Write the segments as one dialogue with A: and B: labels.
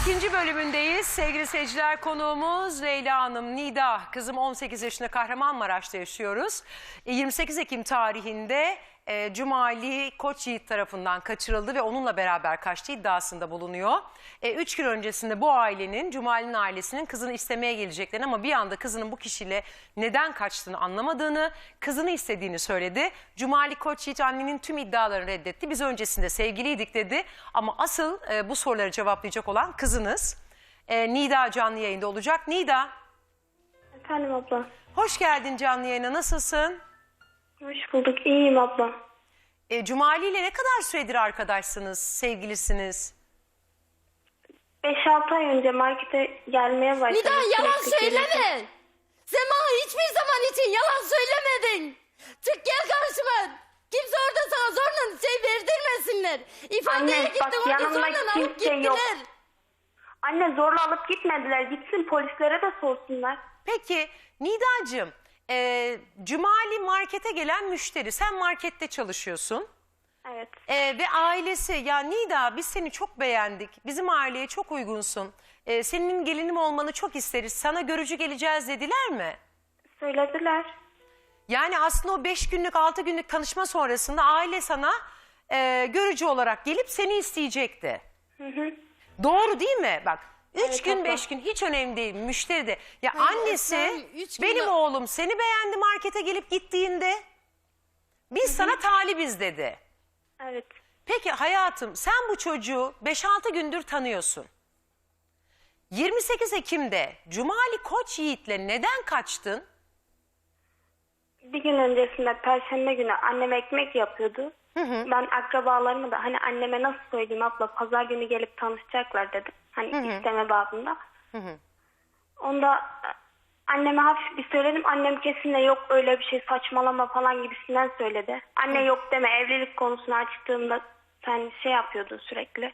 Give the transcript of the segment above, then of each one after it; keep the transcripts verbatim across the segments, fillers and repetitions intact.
A: İkinci bölümündeyiz. Sevgili seyirciler, konuğumuz Leyla Hanım, Nida. Kızım on sekiz yaşında, Kahramanmaraş'ta yaşıyoruz. yirmi sekiz Ekim tarihinde e, Cumali Koç Yiğit tarafından kaçırıldı ve onunla beraber kaçtığı iddiasında bulunuyor. E, üç gün öncesinde bu ailenin, Cumali'nin ailesinin kızını istemeye geleceklerini ama bir anda kızının bu kişiyle neden kaçtığını anlamadığını, kızını istediğini söyledi. Cumali Koç Yiğit annenin tüm iddialarını reddetti. Biz öncesinde sevgiliydik dedi ama asıl e, bu soruları cevaplayacak olan kızınız. E, Nida canlı yayında olacak. Nida.
B: Efendim abla.
A: Hoş geldin canlı yayına. Nasılsın?
B: Hoş bulduk. İyiyim abla.
A: E, Cumali ile ne kadar süredir arkadaşsınız, sevgilisiniz?
B: beş altı ay önce markete gelmeye başladım.
C: Nida yalan
B: Sürekli
C: söyleme.
B: gelirdim.
C: Sen bana hiçbir zaman için yalan söylemedin. Çık gel karşıma. Kimse orada sana zorla şey verdirmesinler. İfadeye
B: Anne,
C: gittin
B: bak,
C: onu
B: yanımda
C: zorla alıp
B: kimse
C: gittiler.
B: yok. Anne zorla alıp gitmediler. Gitsin polislere de sorsunlar.
A: Peki Nidacığım, e, Cumali markete gelen müşteri. Sen markette çalışıyorsun.
B: Evet.
A: E, ve ailesi, ya Nida biz seni çok beğendik. Bizim aileye çok uygunsun. E, senin gelinim olmanı çok isteriz. Sana görücü geleceğiz dediler mi?
B: Söylediler.
A: Yani aslında o beş günlük, altı günlük tanışma sonrasında aile sana e, görücü olarak gelip seni isteyecekti.
B: Hı hı.
A: Doğru değil mi? Bak üç
B: Evet,
A: gün
B: abla.
A: beş gün hiç önemli değil müşteri de. Ya
C: Hayır,
A: annesi
C: Esra'm, üç gün-
A: benim oğlum seni beğendi markete gelip gittiğinde biz sana talibiz dedi.
B: Evet.
A: Peki hayatım sen bu çocuğu beş altı gündür tanıyorsun. yirmi sekiz Ekim'de Cumali Koç Yiğit'le neden kaçtın?
B: Bir gün öncesinde Perşembe günü annem ekmek yapıyordu. Ben akrabalarıma da hani anneme nasıl söyleyeyim abla, pazar günü gelip tanışacaklar dedim. Hani isteme babında. Onda e, anneme hafif bir söyledim. Annem kesinlikle yok öyle bir şey, saçmalama falan gibisinden söyledi. Anne yok deme, evlilik konusunu açtığımda sen şey yapıyordun sürekli.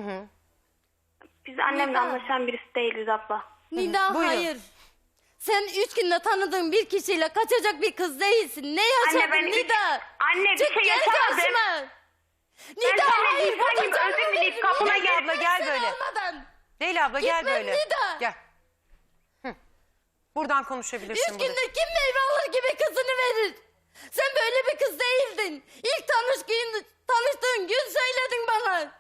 B: Biz annemle
C: Nida.
B: anlaşan birisi değiliz abla.
C: Nida
A: Buyurun.
C: hayır. Sen üç günde tanıdığın bir kişiyle kaçacak bir kız değilsin. Ne yaşadın
B: ben üç-
C: Nida?
B: Anne, bir
C: Çık
B: şey
C: gel
B: yaşamadım.
C: karşıma.
B: Ben
C: Nida
B: seninle
C: hayır.
B: insan gibi
C: burada
B: özür
C: canım
B: dileyip
C: benim.
B: kapına
C: Nida,
A: gel abla, gel
C: sen
A: böyle.
C: olmadan.
A: Leyla abla gel
C: Gitmem
A: böyle.
C: Nida.
A: Gel. Hı. Buradan konuşabilirsin.
C: Üç
A: burada.
C: günde kim meyve alır gibi kızını verir? Sen böyle bir kız değildin. İlk tanış gün, tanıştığın gün söyledin bana.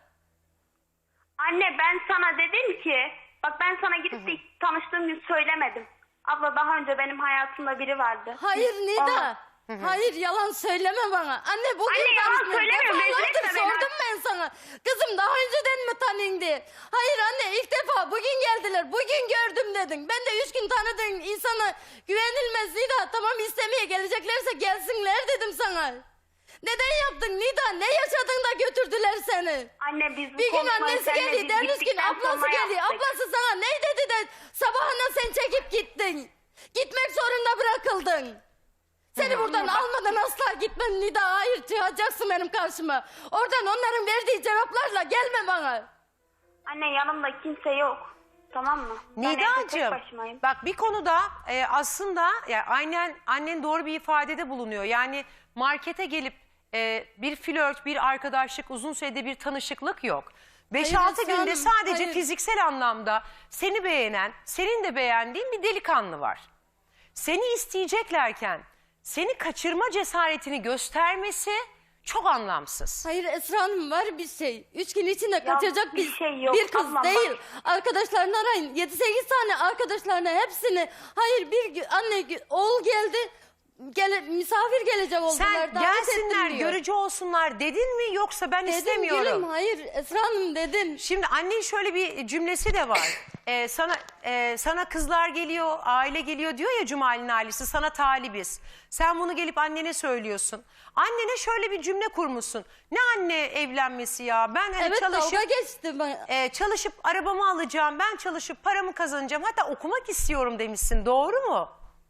B: Anne ben sana dedim ki, bak ben sana gidip de ilk tanıştığım gün söylemedim. Abla daha önce benim hayatımda biri vardı.
C: Hayır Nida.
B: Olmaz.
C: Hayır yalan söyleme bana. Anne bugün
B: Anne, yalan
C: tanıştın.
B: söylemiyorum, rezil
C: Defalardır
B: etme beni.
C: sordum ben sana. Kızım daha önceden mi tanındı? Hayır anne ilk defa bugün geldiler. Bugün gördüm dedin. Ben de üç gün tanıdığın insana güvenilmez Nida. Tamam istemeye geleceklerse gelsinler dedim sana. Neden yaptın Nida? Ne yaşadın da götürdüler seni?
B: Anne biz bu
C: Bir gün
B: konuşmayı
C: annesi
B: seninle
C: geliyor,
B: biz
C: dermiş gün
B: gittikten
C: ablası
B: sonra
C: geliyor.
B: yaptık.
C: Ablası sana ne dedi de sabahına sen çekip gittin. Gitmek zorunda bırakıldın. Seni buradan almadan asla gitmem Nida. Hayır çıkacaksın benim karşıma. Oradan onların verdiği cevaplarla gelme bana.
B: Anne yanımda kimse yok. Tamam mı? Ben evde tek
A: Nidacığım
B: başımayım.
A: bak bir konuda e, aslında yani aynen annen doğru bir ifadede bulunuyor. Yani markete gelip e, bir flört, bir arkadaşlık, uzun sürede bir tanışıklık yok. beş
C: Hayır
A: altı
C: Esra
A: günde
C: Hanım,
A: sadece
C: hayır.
A: fiziksel anlamda seni beğenen, senin de beğendiğin bir delikanlı var. Seni isteyeceklerken seni kaçırma cesaretini göstermesi çok anlamsız.
C: Hayır Esra Hanım var bir şey. Üç gün içinde kaçacak
B: bir
C: bir,
B: şey yok,
C: bir kız
B: ablam bak.
C: değil. Arkadaşlarını arayın. Yedi sekiz tane arkadaşlarına hepsini. Hayır bir gü- anne gü- oğul geldi. Gele, misafir gelecek oldular.
A: Sen
C: davet
A: gelsinler,
C: ettim diyor.
A: görücü olsunlar dedin mi yoksa ben
C: Dedim
A: istemiyorum.
C: gülüm hayır Esra Hanım dedim.
A: Şimdi annenin şöyle bir cümlesi de var. Ee, sana e, sana kızlar geliyor, aile geliyor diyor ya Cumali'nin ailesi, sana talibiz. Sen bunu gelip annene söylüyorsun. Annene şöyle bir cümle kurmuşsun. Ne anne evlenmesi ya? Ben hani
C: Evet
A: çalışıp
C: dalga geçti bana.
A: e, çalışıp arabamı alacağım. Ben çalışıp paramı kazanacağım. Hatta okumak istiyorum demişsin. Doğru mu?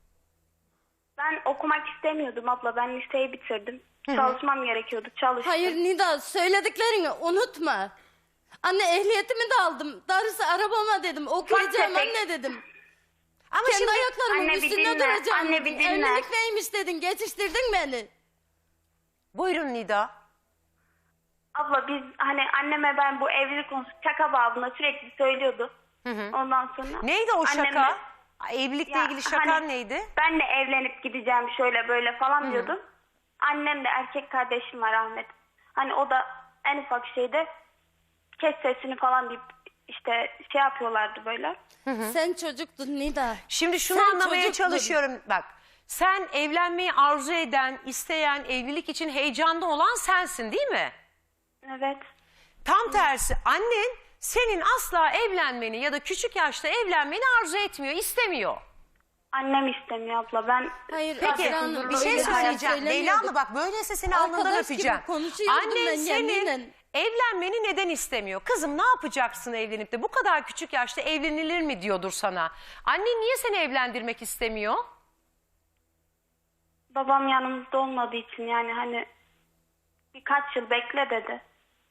B: Ben okumak istemiyordum abla. Ben liseyi bitirdim. Çalışmam gerekiyordu. Çalıştım.
C: Hayır Nida söylediklerini unutma. Anne ehliyetimi de aldım. Darısı arabama dedim. Okuyacağım
B: tefek.
C: anne dedim.
A: Ama
C: Kendi
A: şimdi
C: ayaklarımın
B: Anne bir
C: üstünde
B: dinle,
C: duracağım
B: anne
C: dedin.
B: bir dinle.
C: Evlilik neymiş dedin. Geçiştirdin beni.
A: buyurun Nida.
B: Abla biz hani anneme ben bu evlilik konusu şaka babına sürekli söylüyordu. Ondan sonra.
A: Neydi o şaka?
B: annemle-
A: Evlilikle
B: Ya,
A: ilgili şakan
B: hani
A: neydi?
B: Benle evlenip gideceğim şöyle böyle falan diyordum. Annem de erkek kardeşim var Ahmet. Hani o da en ufak şeyde kes sesini falan deyip işte şey yapıyorlardı böyle.
C: Sen çocuktun Nida.
A: Şimdi şunu
C: Sen
A: anlamaya
C: çocuktun.
A: çalışıyorum. Bak, sen evlenmeyi arzu eden, isteyen, evlilik için heyecanlı olan sensin değil mi?
B: Evet.
A: Tam tersi, annen senin asla evlenmeni ya da küçük yaşta evlenmeni arzu etmiyor, istemiyor.
B: Annem istemiyor abla. Ben
C: Hayır,
A: Peki
C: Esra Hanım,
A: bir şey
C: öyle hayat
A: söyleyeceğim. Leyla
C: söylemiyorduk.
A: abla bak, böyleyse seni alnından
C: Arkadaş gibi
A: öpeceğim.
C: konuşuyordum
A: Annen
C: ben
A: senin
C: yeminle.
A: evlenmeni neden istemiyor? Kızım ne yapacaksın evlenip de bu kadar küçük yaşta evlenilir mi diyordur sana. Annen niye seni evlendirmek istemiyor?
B: babam yanımızda olmadığı için yani hani birkaç yıl bekle dedi.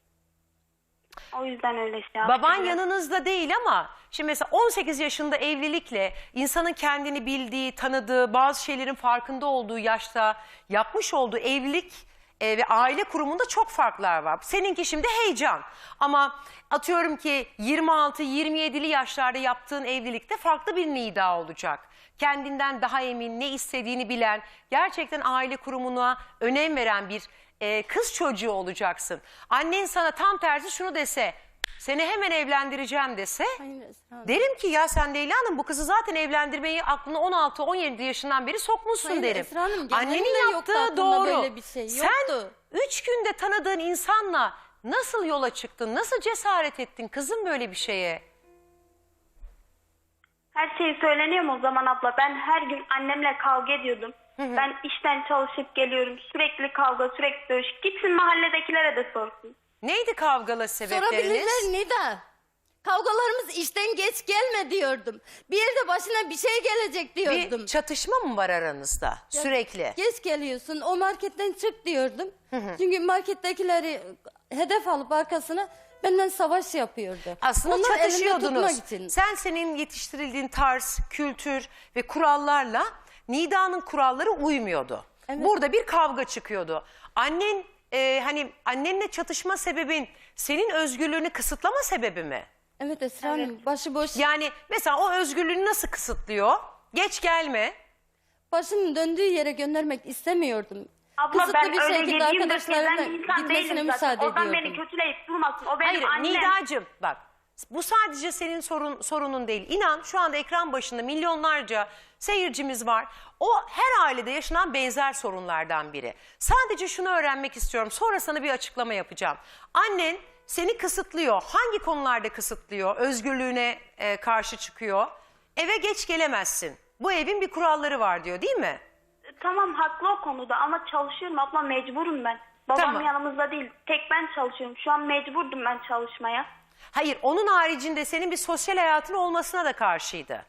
B: O yüzden öyle şey yaptı.
A: Baban yanınızda değil ama şimdi mesela on sekiz yaşında evlilikle insanın kendini bildiği, tanıdığı, bazı şeylerin farkında olduğu yaşta yapmış olduğu evlilik e, ve aile kurumunda çok farklar var. Seninki şimdi heyecan ama atıyorum ki yirmi altı yirmi yedili yaşlarda yaptığın evlilikte farklı bir nida olacak. Kendinden daha emin, ne istediğini bilen, gerçekten aile kurumuna önem veren bir e, kız çocuğu olacaksın. Annen sana tam tersi şunu dese, seni hemen evlendireceğim dese,
C: Hayır Esra Hanım.
A: derim ki ya sen Leyla Hanım bu kızı zaten evlendirmeyi aklına on altı on yedi yaşından beri sokmuşsun
C: Hayır
A: derim.
C: Esra Hanım, genelde
A: Annenin
C: yoktu
A: yaptığı
C: aklımda
A: doğru.
C: böyle bir şey,
A: Sen
C: yoktu.
A: üç günde tanıdığın insanla nasıl yola çıktın, nasıl cesaret ettin kızım böyle bir şeye?
B: Her şey söyleniyor mu o zaman abla? Ben her gün annemle kavga ediyordum. Ben işten çalışıp geliyorum. Sürekli kavga, sürekli dövüş. Gitsin mahalledekilere de sorsun.
A: Neydi kavgalı sebepleriniz?
C: Sorabilirler Nida. Kavgalarımız işten geç gelme diyordum. Bir yerde başına bir şey gelecek diyordum.
A: Bir çatışma mı var aranızda sürekli?
C: Geç geliyorsun, o marketten çık diyordum. Çünkü markettekileri hedef alıp arkasına benden savaş yapıyordu.
A: Aslında
C: Onlar elinde tutmak
A: çatışıyordunuz.
C: için.
A: Sen senin yetiştirildiğin tarz, kültür ve kurallarla Nida'nın kuralları uymuyordu.
C: Evet.
A: Burada bir kavga çıkıyordu. Annen e, hani annenle çatışma sebebin senin özgürlüğünü kısıtlama sebebi mi?
C: Evet Esra Hanım, başıboş.
A: Yani mesela o özgürlüğünü nasıl kısıtlıyor? Geç gelme.
C: Başımın döndüğü yere göndermek istemiyordum.
B: Abla
C: Kısıtlı
B: ben
C: bir
B: öyle
C: şekilde
B: yediğim de
C: arkadaşlarımla
B: seven bir insan
C: gitmesine
B: değilim zaten.
C: müsaade
B: Oradan beni
C: ediyordum.
B: kötüleyip durmasın. O benim
A: Hayır
B: annem.
A: Nidacığım bak, bu sadece senin sorun, sorunun değil. İnan şu anda ekran başında milyonlarca seyircimiz var. O her ailede yaşanan benzer sorunlardan biri. Sadece şunu öğrenmek istiyorum, sonra sana bir açıklama yapacağım. Annen seni kısıtlıyor. Hangi konularda kısıtlıyor? Özgürlüğüne e, karşı çıkıyor. Eve geç gelemezsin. Bu evin bir kuralları var diyor değil mi?
B: Tamam haklı o konuda ama çalışıyorum abla, mecburum ben. Babam
A: Tamam.
B: yanımızda değil. Tek ben çalışıyorum. Şu an mecburdum ben çalışmaya.
A: Hayır, onun haricinde senin bir sosyal hayatın olmasına da karşıydı.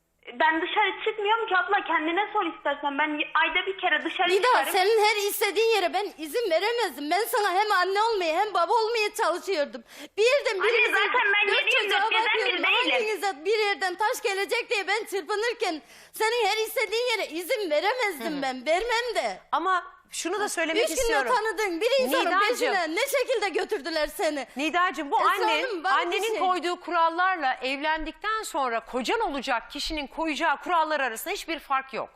B: Ben dışarı çıkmıyorum ki abla, kendine sor istersen. Ben ayda bir kere dışarı
C: Nida,
B: çıkarım.
C: senin her istediğin yere ben izin veremezdim. Ben sana hem anne olmaya hem baba olmaya çalışıyordum. Bir yerden
B: Anne,
C: birinize
B: zaten ben
C: dört
B: yedi yirmi
C: çocuğa
B: dört gezen
C: bakıyorum.
B: biri değilim.
C: Hanginize bir yerden taş gelecek diye ben çırpınırken senin her istediğin yere izin veremezdim ben. Vermem de.
A: Ama şunu da söylemek
C: Üç günde
A: istiyorum.
C: tanıdığın bir insanın
A: Nidacığım.
C: peşine ne şekilde götürdüler seni?
A: Nidacığım bu
C: Esra
A: annen,
C: Hanım, ben bir
A: annenin
C: şey-
A: koyduğu kurallarla evlendikten sonra kocan olacak kişinin koyacağı kurallar arasında hiçbir fark yok.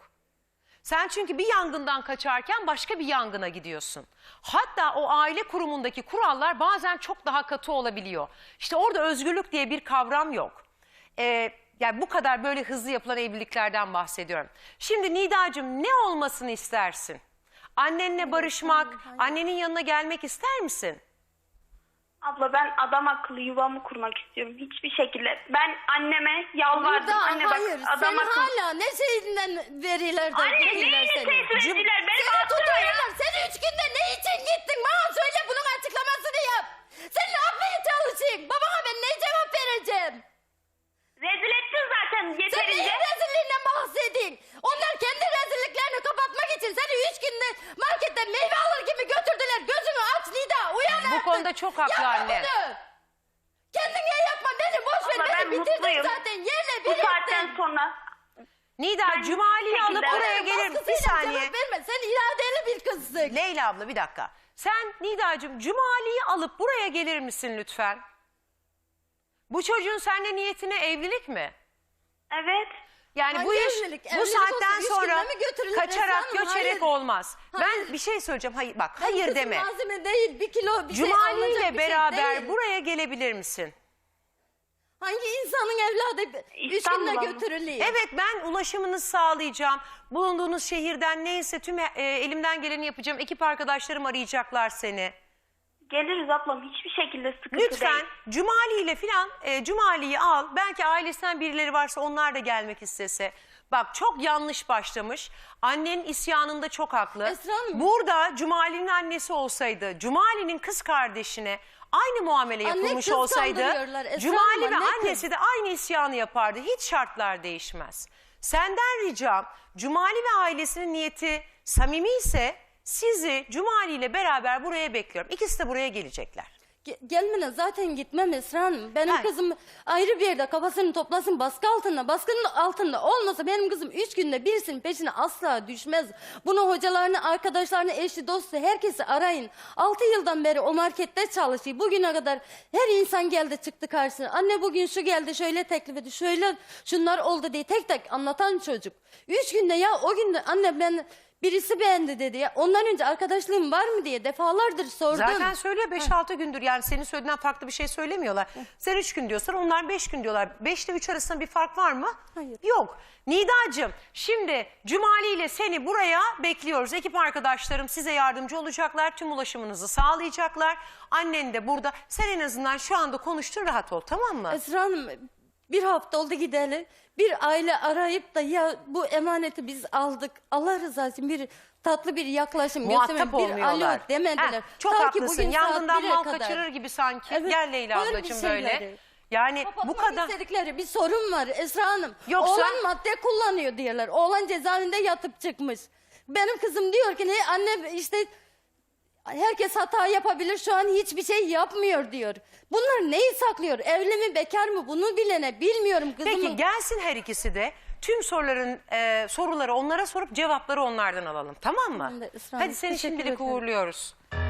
A: Sen çünkü bir yangından kaçarken başka bir yangına gidiyorsun. Hatta o aile kurumundaki kurallar bazen çok daha katı olabiliyor. İşte orada özgürlük diye bir kavram yok. Ee, yani bu kadar böyle hızlı yapılan evliliklerden bahsediyorum. Şimdi Nidacığım ne olmasını istersin? Annenle barışmak, annenin yanına gelmek ister misin?
B: Abla ben adam akıllı yuvamı kurmak istiyorum. Hiçbir şekilde. Ben anneme yalvardım.
C: Nida,
B: Anne bak,
C: hayır,
B: adam
C: sen
B: akıllı.
C: hala ne şeyinden veriler de
B: Anne
C: verirler
B: neyini
C: seni?
B: tehdit ettiler? Beni
C: Seni
B: bastılar ya.
C: tutuyorlar. Sen üç günde ne için gittin? Bana söyle, bunun açıklamasını yap. Sen ne yapmaya çalışayım? Babama ben ne cevap vereceğim?
B: Rezil ettin zaten
C: Sen
B: yeterince.
C: neyin rezilliğinden bahsedin? Onlar kendi rezilliklerini kapatmak için seni üç günde marketten meyve alır gibi götürdüler. Gözünü aç Nida, uyan
A: Bu
C: artık.
A: konuda çok haklı
C: Yapma
A: anne.
C: bunu. Kendine yapma, beni boş ver.
B: Abla, ben
C: Beni bitirdin
B: mutluyum.
C: zaten. Yerle
B: Bu
C: bir
B: saatten
C: ettin.
B: sonra
A: Nida
B: Ben
A: Cumali'yi
B: hiçbir
A: alıp
B: şekilde-
A: buraya gelir. Bir
C: Baskısıyla
A: saniye.
C: cevap verme. Sen iradeli bir kızsın.
A: Leyla abla bir dakika. Sen Nidacığım Cumali'yi alıp buraya gelir misin lütfen? Bu çocuğun seninle niyetine evlilik mi?
B: Evet.
A: Yani
C: Hangi
A: bu iş
C: evlilik?
A: bu
C: Evlilik
A: saatten
C: olsa üç
A: sonra
C: günde mi götürülür
A: kaçarak
C: Esra Hanım?
A: göçerek
C: Hayır.
A: olmaz.
C: Hayır.
A: Ben bir şey söyleyeceğim. Hayır bak
C: Benim
A: hayır
C: kızım
A: deme.
C: malzeme değil, bir kilo bir şey
A: Cumali
C: alınacak
A: ile
C: bir şey
A: beraber
C: değil.
A: buraya gelebilir misin?
C: Hangi insanın evladı üç
B: İstanbul'a
C: günde
B: mı?
C: götürülüyor?
A: Evet, ben ulaşımınızı sağlayacağım. Bulunduğunuz şehirden neyse tüm e, elimden geleni yapacağım. Ekip arkadaşlarım arayacaklar seni.
B: Geliriz ablam, hiçbir şekilde sıkıntı
A: Lütfen
B: değil.
A: Cumali ile filan e, Cumali'yi al. Belki ailesinden birileri varsa onlar da gelmek istese. Bak çok yanlış başlamış. Annenin isyanında çok haklı.
C: Esra Hanım.
A: Burada Cumali'nin annesi olsaydı, Cumali'nin kız kardeşine aynı muamele
C: Anne
A: yapılmış
C: kız
A: olsaydı
C: kandırıyorlar Esra
A: Cumali
C: Hanım,
A: ve
C: anne kız.
A: annesi de aynı isyanı yapardı. Hiç şartlar değişmez. Senden ricam Cumali ve ailesinin niyeti samimi ise sizi Cumali ile beraber buraya bekliyorum. İkisi de buraya gelecekler.
C: Ge- Gelmene zaten gitmem Esra Hanım. Benim
A: Hayır.
C: kızım ayrı bir yerde kafasını toplasın, baskı altında. Baskının altında olmasa benim kızım üç günde birisinin peşine asla düşmez. Bunu hocalarını, arkadaşlarını, eşi, dostu herkesi arayın. Altı yıldan beri o markette çalışıyor. Bugüne kadar her insan geldi çıktı karşısına. Anne bugün şu geldi, şöyle teklif etti, şöyle şunlar oldu diye tek tek anlatan çocuk. Üç günde ya o günde anne ben... Birisi beğendi dedi ya. Ondan önce arkadaşlığım var mı diye defalardır sordum.
A: Zaten söylüyor beş altı gündür, yani senin söylediğinden farklı bir şey söylemiyorlar. Sen üç gün diyorsan onlar beş gün diyorlar. beş ile üç arasında bir fark var mı?
C: Hayır.
A: Yok. Nidacığım şimdi Cumali ile seni buraya bekliyoruz. Ekip arkadaşlarım size yardımcı olacaklar. Tüm ulaşımınızı sağlayacaklar. Annen de burada. Sen en azından şu anda konuştun, rahat ol, tamam mı?
C: Esra Hanım bir hafta oldu gideli. Bir aile arayıp da ya bu emaneti biz aldık. Allah rızası için bir tatlı bir yaklaşım
A: Muhatap
C: göstermeyin. Bir
A: olmuyorlar.
C: alo demediler.
A: Heh, çok
C: Ta ki
A: haklısın.
C: bugün saat
A: Yangından
C: bire
A: mal
C: kadar.
A: kaçırır gibi sanki.
C: Evet,
A: Gel Leyla
C: böyle bir
A: ablacığım
C: şeyleri.
A: böyle. Yani bu
C: Kapatmak
A: kadar...
C: istedikleri bir sorun var Esra Hanım.
A: Yoksa-
C: Oğlan madde kullanıyor diyorlar. Oğlan cezaevinde yatıp çıkmış. Benim kızım diyor ki ne anne işte herkes hata yapabilir, şu an hiçbir şey yapmıyor diyor. Bunlar neyi saklıyor? Evli mi bekar mı bunu bilene bilmiyorum kızımın.
A: Peki gelsin her ikisi de. Tüm soruların e, soruları onlara sorup cevapları onlardan alalım, tamam mı?
C: Ben de Esra
A: Hadi
C: Hanım,
A: seni
C: teşekkür
A: şimdilik
C: ederim.
A: uğurluyoruz.